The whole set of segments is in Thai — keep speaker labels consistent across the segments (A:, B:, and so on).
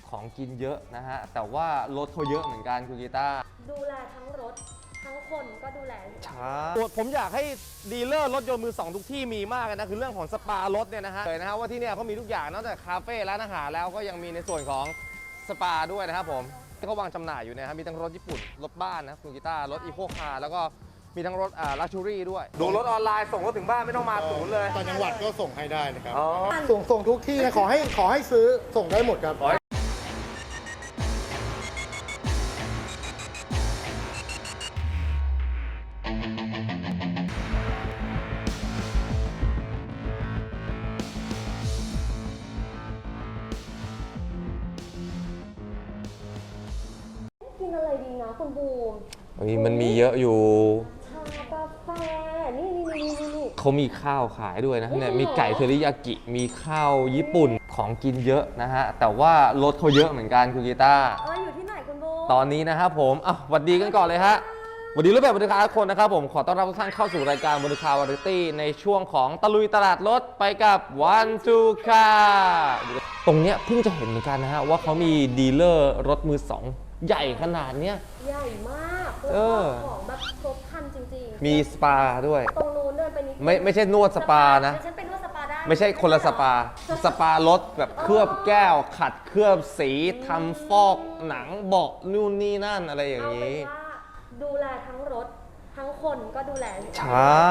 A: ของกินเยอะนะฮะแต่ว่ารถเขาเยอะเหมือนกันคุณกีตาร์
B: ดูแลทั้งรถทั้งคนก็ดูแล
A: ใช่ผมอยากให้ดีลเลอร์รถยนต์มือสองทุกที่มีมากนะคือเรื่องของสปารถเนี่ยนะฮะเลยนะฮะว่าที่เนี่ยเขามีทุกอย่างนอกจากคาเฟ่ร้านอาหารแล้วก็ยังมีในส่วนของสปาด้วยนะครับผมที่เขาวางจำหน่ายอยู่นะครับมีทั้งรถญี่ปุ่นรถบ้านนะคุณกีตาร์รถอีโคคาร์แล้วก็มีทั้งรถลักชัวรี่ด้วยดูรถออนไลน์ส่งรถถึงบ้านไม่ต้องมาศูนย์เลย
C: ต่างจังหวัดก็ส่งให้ได้นะครับ
B: ส่ง
C: ทุกที่นะขอให้ซื้อส่งได้หมดครับ
B: กินอะไรดีนะคุณบูม
A: มันมีเยอะอยู่
B: ชากาแฟนี่
A: เขามีข้าวขายด้วยนะเนี่ยมีไก่เทริยากิมีข้าวญี่ปุ่นของกินเยอะนะฮะแต่ว่ารถเขาเยอะเหมือนกันคุณกีตาร์
B: อยู่ที่ไหนคุณบูม
A: ตอนนี้นะครับผมหวัดดีกันก่อนเลยฮะสวัสดีรูปแบบบริการทุกคนนะครับผมขอต้อนรับทุกท่านเข้าสู่รายการบริการวาไรตี้ในช่วงของตะลุยตลาดรถไปกับ One Two Car ตรงเนี้ยเพิ่งจะเห็นเหมือนกันนะฮะว่าเขามีดีลเลอร์รถมือสองใหญ่ขนาดเนี้ย
B: ใหญ่มากของแบบครบครันจริงๆ
A: มีสปาด้วย
B: ตรงนู้นเดินไปนิด
A: ไม่ใช่นวดสปานะ
B: ฉันเป็นนวดสปาได้
A: ไม่ใช่คนละสปา สปารถแบบเคลือบแก้ว ขัดเคลือบสีทำฟอกหนังเบาะนู่นนี่นั่นอะไรอย่าง
B: เอาเป็น
A: นี้
B: ว่าดูแลทั้งรถทั้งคนก็ดูแล
A: ใช่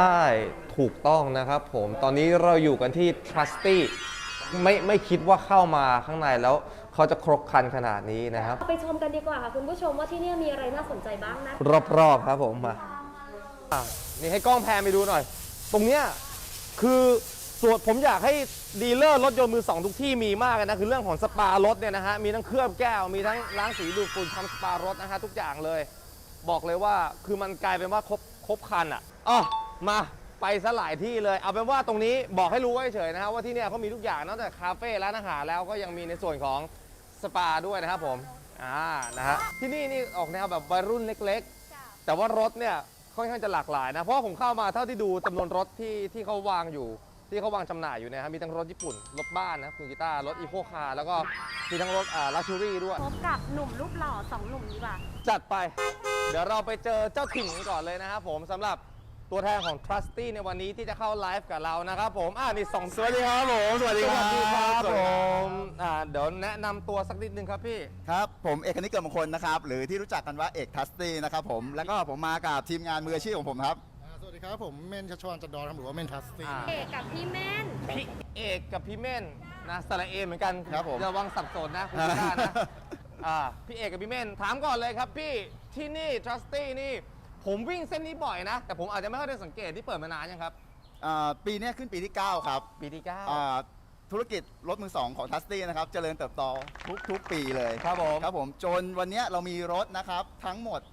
A: ถูกต้องนะครับผมตอนนี้เราอยู่กันที่ Trusty ไม่คิดว่าเข้ามาข้างในแล้วเขาจะครบครันขนาดนี้นะครับ
B: ไปชมกันดีกว่าค่ะคุณผู้ชมว่าที่นี่มีอะไรน่าสนใจบ้างนะ
A: รอบๆครับผมมานี่ให้กล้องแพนไปดูหน่อย ตรงเนี้ยคือส่วนผมอยากให้ดีลเลอร์รถยนต์มือสองทุกที่มีมากนะคือเรื่องของสปารถเนี่ยนะฮะมีทั้งเคลือบแก้วมีทั้งล้างสีดูดฝุ่นทำสปารถนะฮะทุกอย่างเลย บอกเลยว่าคือมันกลายเป็นว่าครบครันอ่ะมาไปซะหลายที่เลยเอาเป็นว่าตรงนี้บอกให้รู้ไว้เฉยนะฮะว่าที่เนี่ยเขามีทุกอย่างนอกจากคาเฟ่ร้านอาหารแล้วก็ยังมีในส่วนของสปาด้วยนะครับผมนะฮะที่นี่ออกแนวแบบวัยรุ่นเล็กๆแต่ว่ารถเนี่ยค่อนข้างจะหลากหลายนะเพราะผมเข้ามาเท่าที่ดูจำนวนรถที่เขาวางอยู่ที่เขาวางจำหน่ายอยู่นะครับมีทั้งรถญี่ปุ่นรถบ้านนะคุณกีตาร์รถอีโคคาร์แล้วก็มีทั้งรถลักชัวรี่ด้วย
B: พบกับหนุ่มรูปหล่อสองหนุ่มนี้ป่ะ
A: จัดไป เดี๋ยวเราไปเจอเจ้าถิ่นกันก่อนเลยนะครับผมสำหรับตัวแทนของ Trusty ในวันนี้ที่จะเข้าไลฟ์กับเรานะครับผมนี่สองสวัสดีครับผมสวัสดีครับผมเดี๋ยวแนะนำตัวสักนิดนึงครับพี่
D: ครับผมเอกนิกเกิดมงคลนะครับหรือที่รู้จักกันว่าเอกทัสตี้นะครับผมแล้วก็ผมมากับทีมงานมืออาชีพของผมครับ
C: สวัสดีครับผมเม่นชัชวานจันดอนครับหรือว่าเม่นทัสตี้
B: เอกกับพี่แม่น
A: พี่เอกกับพี่เม่นนะสระเอเหมือนกัน
D: ครับผม
A: ระวังสับสนนะคุณผู้ชมนะพี่เอกกับพี่เม่นถามก่อนเลยครับพี่ที่นี่ Trusty นี่ผมวิ่งเส้นนี้บ่อยนะแต่ผมอาจจะไม่ค่อยได้สังเกตที่เปิดมานานยังครับ
D: ปีนี้ขึ้นปีที่ 9 ครับ
A: ปีที่
D: ธุรกิจรถมือสองของทัสตี้นะครับเจริญเติบโตทุกปีเลย
A: ครับผม
D: ครับผมจนวันนี้เรามีรถนะครับทั้งหมด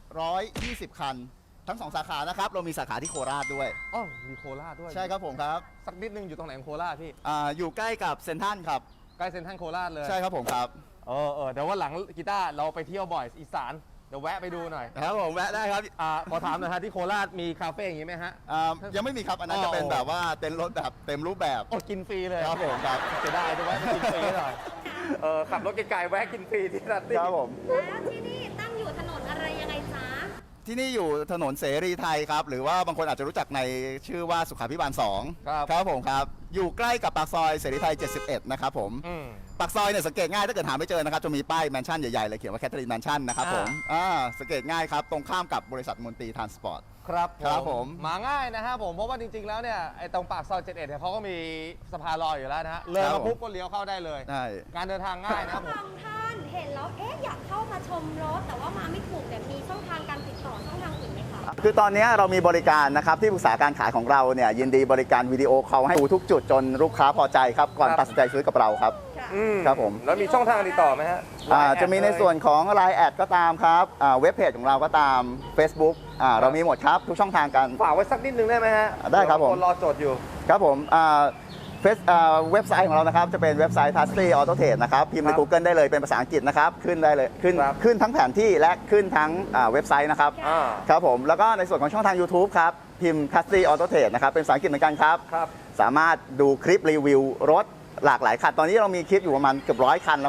D: 120 คัน ทั้ง 2 สาขานะครับเรามีสาขาที่โคราชด้วย
A: มีโคราชด้วย
D: ใช่ครับผมครับ
A: สักนิดนึงอยู่ตรงไหนของโคราชพี่
D: อยู่ใกล้กับเซนทรัลครับ
A: ใกล้เซ็นทรัลโคราชเลย
D: ใช่ครับผมครับ
A: เดี๋ยววันหลังกีตาร์เราไปเที่ยวบ่อยอีสานเดี๋ยวแวะไปดูหน่อย
D: ครับผมแวะได้ครับ
A: ขอถามหน่อยฮะที่โคราชมีคาเฟ่อย่างนี้ไหมฮะ
D: ยังไม่มีครับอันนั้นจะเป็นแบบว่าเต็นท์รถแบบเต็มรูปแบบ
A: กินฟรีเลย
D: ครับผมครับ
A: จะได้จะแวะไปกินฟรีหน่อยขับรถไกลๆแวะกินฟรีที่ร้านตี้
D: ครับผม
B: แล้วที่นี่ตั้งอยู่ถนนอะไรยังไงจ๊ะ
D: ที่นี่อยู่ถนนเสรีไทยครับ หรือว่าบางคนอาจจะรู้จักในชื่อว่าสุขาภิบาล2
A: ครับ
D: ครับผมครับ อยู่ใกล้กับปากซอยเสรีไทย 71 นะครับผม ปากซอยเนี่ยสังเกตง่ายถ้าเกิดหาไม่เจอนะครับจะมีป้ายแมนชั่นใหญ่ๆเลยเขียนว่าแคทเธอรีนแมนชั่นนะครับผมสังเกตง่ายครับ ตรงข้ามกับบริษัทมนตรีทรานสปอร์ต
A: ครับ
D: ผม
A: มาง่ายนะครับผมเพราะว่าจริงๆแล้วเนี่ยไอ้ตรงปากซอย71เนี่ยเขาก็มีสะพานลอยอยู่แล้วนะฮะเลยมาปุ๊บก็เลี้ยวเข้าได้เลย
D: ใช่
A: การเดินทางง่ายนะครับผม
B: บางท่านเห็นแล้วอยากเข้ามาชมรถแต่ว่ามาไม่ถูกแต่มีช่องทางการติดต่อช่องทางอื่นไหมคะ
D: คือตอนนี้เรามีบริการนะครับที่ปรึกษาการขายของเราเนี่ยยินดีบริการวิดีโอคอลให้ดูทุกจุดจนลูกค้าพอใจครับก่อนตัดสินใจซื้อกับเราครับ ครับผม
A: แล้วมีช่องทางติดต่อไหมฮะ
D: จะมีในส่วนของ Line แอดก็ตามครับเว็บเพจของเราก็ตาม Facebook เรามีหมดครับ ทุกช่องทางกัน
A: ฝากไว้สักนิดนึงได้ไหมฮะ
D: ได้ครับผม
A: คนรอโจทย์อยู่
D: ครับผมเว็บไซต์ของเรานะครับจะเป็นเว็บไซต์ Trusty Auto Trade นะครับพิมพ์ใน
A: ครับ
D: Google ได้เลยเป็นภาษาอังกฤษนะครับขึ้นได้เลยขึ้นทั้งแผนที่และขึ้นทั้งเว็บไซต์นะครับ ครับผมแล้วก็ในส่วนของช่องทาง YouTube ครับพิมพ์ Trusty Auto Trade นะครับเป็นภาษาอังกฤษเหมือนกันครับ
A: ครับ
D: สามารถดูคลิปรีวิวรถหลากหลายคันตอนนี้เรามีคลิปอยู่ประมาณเกือบ100 คันแล้วครับ
B: โอ้โห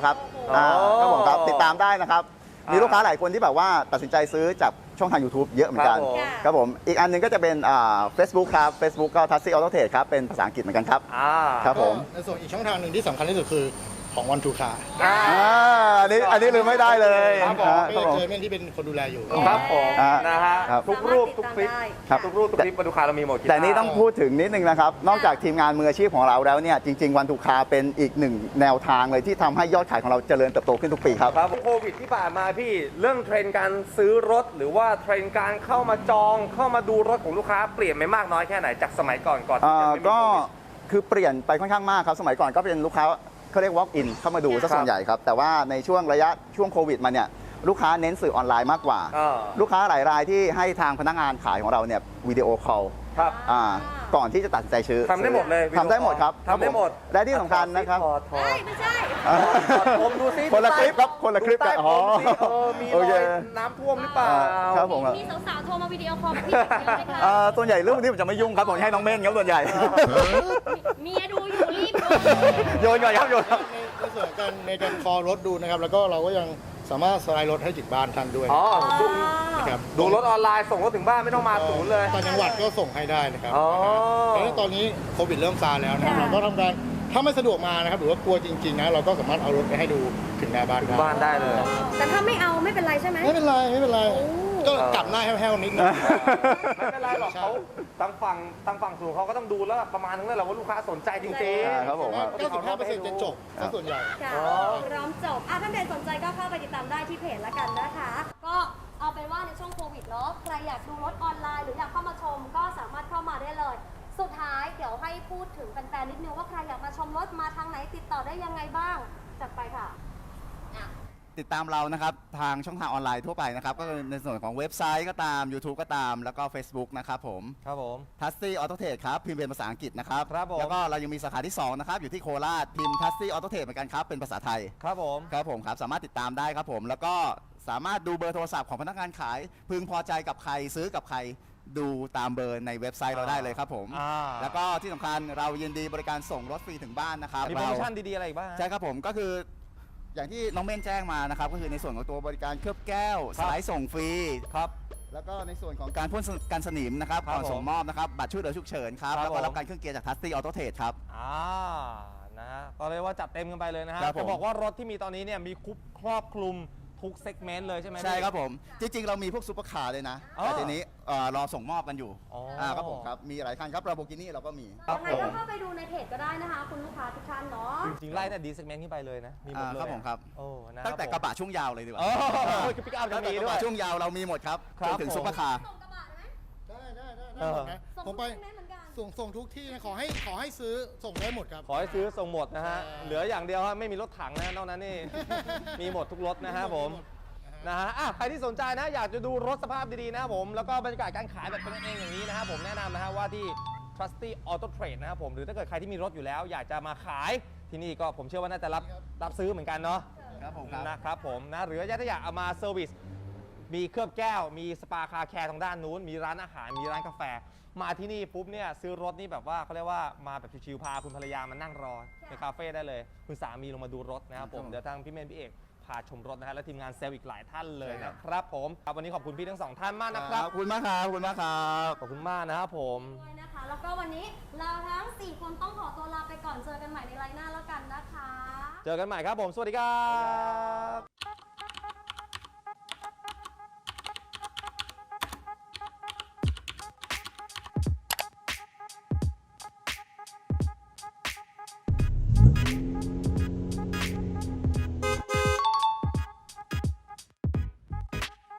D: ครับผมครับติดตามได้นะครับ มีลูกค้าหลายคนที่แบบว่าตัดสินใจซื้อจากช่องทาง YouTube เยอะเหมือนกัน ครับผมอีกอันหนึงก็จะเป็นFacebook ครับ Facebook ก็ Tasty Auto Trade ครับเป็นภาษาอังกฤษเหมือนกันครับครับผม
C: ในส่วนอีกช่องทางหนึ่งที่สำคัญที่สุดคือของวันทูคา
D: อันนี้ลืมไม่ได้เลย
A: ครับผม
C: ก็จะเจอเม่นที่เป็นคนดูแลอยู่
A: ครับผม นะฮะ
D: ครับ
A: ทุกรูปทุกคลิป
D: ครับ
A: ทุกรูปทุกคลิปมาดูคาเรามีหมด
D: แต่นี้ต้องพูดถึงนิดนึงนะครับ นอกจากทีมงานมืออาชีพของเราแล้วเนี่ยจริง ๆ วันทูคาเป็นอีกหนึ่งแนวทางเลยที่ทำให้ยอดขายของเราเจริญเติบโตขึ้นทุกปีครับ
A: ครับโควิดที่ผ่านมาพี่เรื่องเทรนด์การซื้อรถ หรือว่าเทรนด์การเข้ามาจองเข้ามาดูรถของลูกค้าเปลี่ยนไปมากน้อยแค่ไหนจากสมัยก่อนที่จะไม่มี
D: ก็
A: โควิด
D: คือเปลี่ยนไปค่อนข้างมากครับ สมัยก่อนก็เป็นลูกค้าเขาเรียก walk in เข้ามาดูซะส่วนใหญ่ครับ แต่ว่าในช่วงระยะช่วงโควิดมาเนี่ยลูกค้าเน้นสื่อออนไลน์มากกว่า ลูกค้าหลายรายที่ให้ทางพนักงานขายของเราเนี่ยวิดีโอคอล
A: ครับ
D: ก่อนที่จะตัดสินใจซื้อ
A: ทำได้หมดเลย
D: ทำได้หมดครับ
A: ทำได้หมด
D: และที่สำคัญนะครับ
A: ถอด
B: เฮ้ยไม่ใช่
A: ผมดูซิ
D: คนละคลิปครับคนละคลิป
A: ดูใต้
D: กัน
A: ผมสิมี
D: โอ
A: ร
D: เค
A: อยน้ำท่วมหรือเปล่า
D: ครับผม
B: มีสาวๆโทรมาวิดีโอคอลกับพี่เยอะไหมคะ
D: ส่วนใหญ่เรื่องนี้ผมจะไม่ยุ่งครับผมให้น้องเม่นครับส่วนใหญ่
B: เมียดูอยู่รีบดู
D: โยนก่อนครับโยนครับ
C: ในส่วนในการคอรถดูนะครับ แล้วก็เราก็ยังสามารถสไลด์รถให้ถึงบ้านท่านด้วย
A: อ๋อ
C: นะครับ
A: ดูรถออนไลน์ส่งรถถึงบ้านไม่ต้องมาศูนย์เลย
C: ต่างจังหวัดก็ส่งให้ได้นะครับ
A: อ๋อ
C: แล้วตอนนี้โควิดเริ่มซาแล้วนะครับเราก็ทำการถ้าไม่สะดวกมานะครับหรือว่ากลัวจริงๆนะเราก็สามารถเอารถไปให้ดูถึงหน้าบ้าน
A: ถึงบ้านได้เลย
B: แต่ถ้าไม่เอาไม่เป็นไรใช่ไหม
C: ไม่เป็นไรไม่เป็นไร
B: โอ้
C: ก็กลับหน้าแห้วๆนิดนึง
A: ไม่เป็นไรหรอกเขาทางฝั่งศูนย์เขาก็ต้องดูแล้วประมาณนึงแล้วแหละว่าลูกค้าสนใจจริง
D: ครับผมครับ
C: 95%จะจบซะส่วนใหญ่
B: ค่ะพร้อมจบท่านใดสนใจก็เข้าไปติดตามได้ที่เพจละกันนะคะ ก็เอาเป็นว่าในช่วงโควิดเนาะใครอยากดูรถออนไลน์หรืออยากเข้ามาชมก็สามารถเข้ามาได้เลย สุดท้ายเดี๋ยวให้พูดถึงแฟนๆนิดนึงว่าใครอยากมาชมรถมาทางไหนติดต่อได้ยังไงบ้างจัดไปค่ะ
D: ติดตามเรานะครับทางช่องทางออนไลน์ทั่วไปนะครับก็ในส่วนของเว็บไซต์ก็ตาม YouTube ก็ตามแล้วก็ Facebook นะครับผม
A: ครับผม
D: Tasty Auto Trade ครับพิมพ์เป็นภาษาอังกฤษนะครับ
A: ครับผม
D: แล้วก็เรายังมีสาขาที่ 2 นะครับ อยู่ที่โคราชพิมพ์ Tasty Auto Trade เหมือนกันครับ เป็นภาษาไทย
A: ครับผม
D: ครับผมครับสามารถติดตามได้ครับผม แล้วก็สามารถดูเบอร์โทรศัพท์ของพนักงานขาย พึงพอใจกับใครซื้อกับใครดูตามเบอร์ในเว็บไซต์เราได้เลยครับผม แล้วก็ที่สำคัญเรายินดีบริการส่งรถฟรีถึงบ้านนะครับ
A: มีโปรโมชั่นดีๆอะไรอีกบ้าง
D: ใช่ครับผมก็คืออย่างที่น้องเม่นแจ้งมานะครับก็คือในส่วนของตัวบริการเคลือบแก้วสายส่งฟรีครับแล้วก็ในส่วนของการพ่นกันสนิมนะครับ
A: ครับ
D: ก่อนส่งมอบนะครับบัตรช่วยเหลือฉุกเฉินครับ
A: ครับ
D: แล้วก็รับ
A: ผม
D: การเครื่องเกียร์จาก Tasty Auto Trade ครับ
A: นะฮะก็เลยว่าจัดเต็มกันไปเลยนะฮะ
D: ครับผม
A: จะบอกว่ารถที่มีตอนนี้เนี่ยมีครอบคลุมทุกเซกเมนต์เลยใช่ไหม
D: ใช่
A: พี่
D: ครับผมจริงๆ เรามีพวกซูเปอร์คาร์เลยนะ
A: อ๋อ
D: แต่ทีนี้รอส่งมอบกันอยู่
A: อ๋อ
D: ครับผมครับมีหลายคันครับ Lamborghini เราก็มี
A: ครับ
B: ยังไงก็เข้าไปดูในเพจก็ได้นะคะ คุณลูกค้าทุกท่านเนาะ
A: จริงๆไล่แต่ดีเซกเมนต์ขึ้นไปเลยนะ มีหมดเลย
D: ครับผมครับ
A: โอ้นะ
D: ตั้งแต่กระบะช่วงยาวเลยดีกว่า
A: โอ้คือปิกอัพจะ
D: ตั้งแต่
A: มี
D: กระ
A: ด้วย
D: บะช่วงยาวเรามีหมดครับ
A: ครับ
D: จนถึง
A: ผม
D: ซูเปอร์คาร์
B: ส่งกระบะได้ไหม
C: ได้หมดนะ
B: ส่ง
C: ผมไป
B: ทุกที่เหมือนกัน
C: ส่งทุกที่นะขอให้ซื้อส่งได้หมดครับ
A: ขอให้ซื้อส่งหมดนะฮะ
C: ใช่
A: เหลืออย่างเดียวฮะไม่มีรถถังนะนอกนั้นนี่ มีหมดทุกรถนะฮะผม นะฮะใครที่สนใจนะอยากจะดูรถสภาพดีๆนะครับผม แล้วก็บรรยากาศการขายแบบเป็นกันเองอย่างนี้นะครับผมแนะนำนะฮะว่าที่ Trusty Auto Trade นะครับผม หรือถ้าเกิดใครที่มีรถอยู่แล้ว อยากจะมาขายที่นี่ก็ผมเชื่อว่าน่าจะรับซื้อเหมือนกันเนาะ
D: ครับผมครับ
A: นะครับผมนะหรือถ้าอยากเอามาเซอร์วิสมีเคลือบแก้ว มีสปาคาแคร์ทางด้านนู้น มีร้านอาหาร มีร้านกาแฟ มาที่นี่ปุ๊บเนี่ยซื้อรถนี่แบบว่าเขาเรียกว่ามาแบบชิวๆพาคุณภรรยามานั่งรอในคาเฟ่ได้เลย คุณสามีลงมาดูรถนะครับผม
D: ครับ
A: เดี๋ยวทางพี่เมนพี่เอกพาชมรถนะฮะและทีมงานเซลล์อีกหลายท่านเลยนะครับผมครับวันนี้ขอบคุณพี่ทั้งสองท่านมากนะครับ
D: ขอบคุณมากครับขอบคุณมากครับ
A: ขอบคุณมากนะครับผม
B: ด้วยนะคะ แล้วก็วันนี้เราทั้ง 4 คนต้องขอตัวลาไปก่อนเจอกันใหม่ในไลน์หน้าแล้วกันนะคะ
A: เจอกันใหม่ครับผม สวัสดีครับ